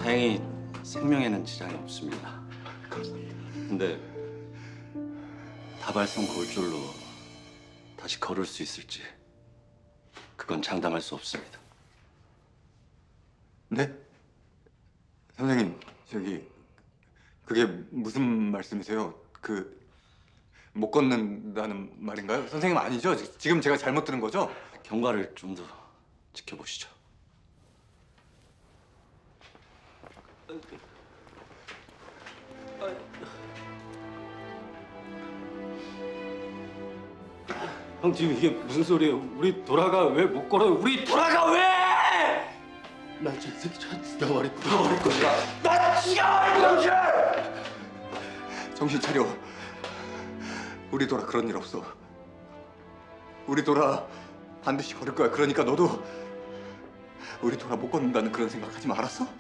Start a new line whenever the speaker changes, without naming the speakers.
다행히 생명에는 지장이 없습니다. 근데 다발성 골절로 다시 걸을 수 있을지 그건 장담할 수 없습니다.
네? 선생님, 그게 무슨 말씀이세요? 못 걷는다는 말인가요? 선생님 아니죠? 지금 제가 잘못 들은 거죠?
경과를 좀 더 지켜보시죠.
형 지금 이게 무슨 소리예요? 우리 도라가 왜 못 걸어요? 우리 도라가 왜?
나 저 새끼 죽여버릴 거야.
나 죽여버릴 거야!
정신 차려. 우리 도라 그런 일 없어. 우리 도라 반드시 걸을 거야. 그러니까 너도 우리 도라 못 걷는다는 그런 생각하지 마. 알았어?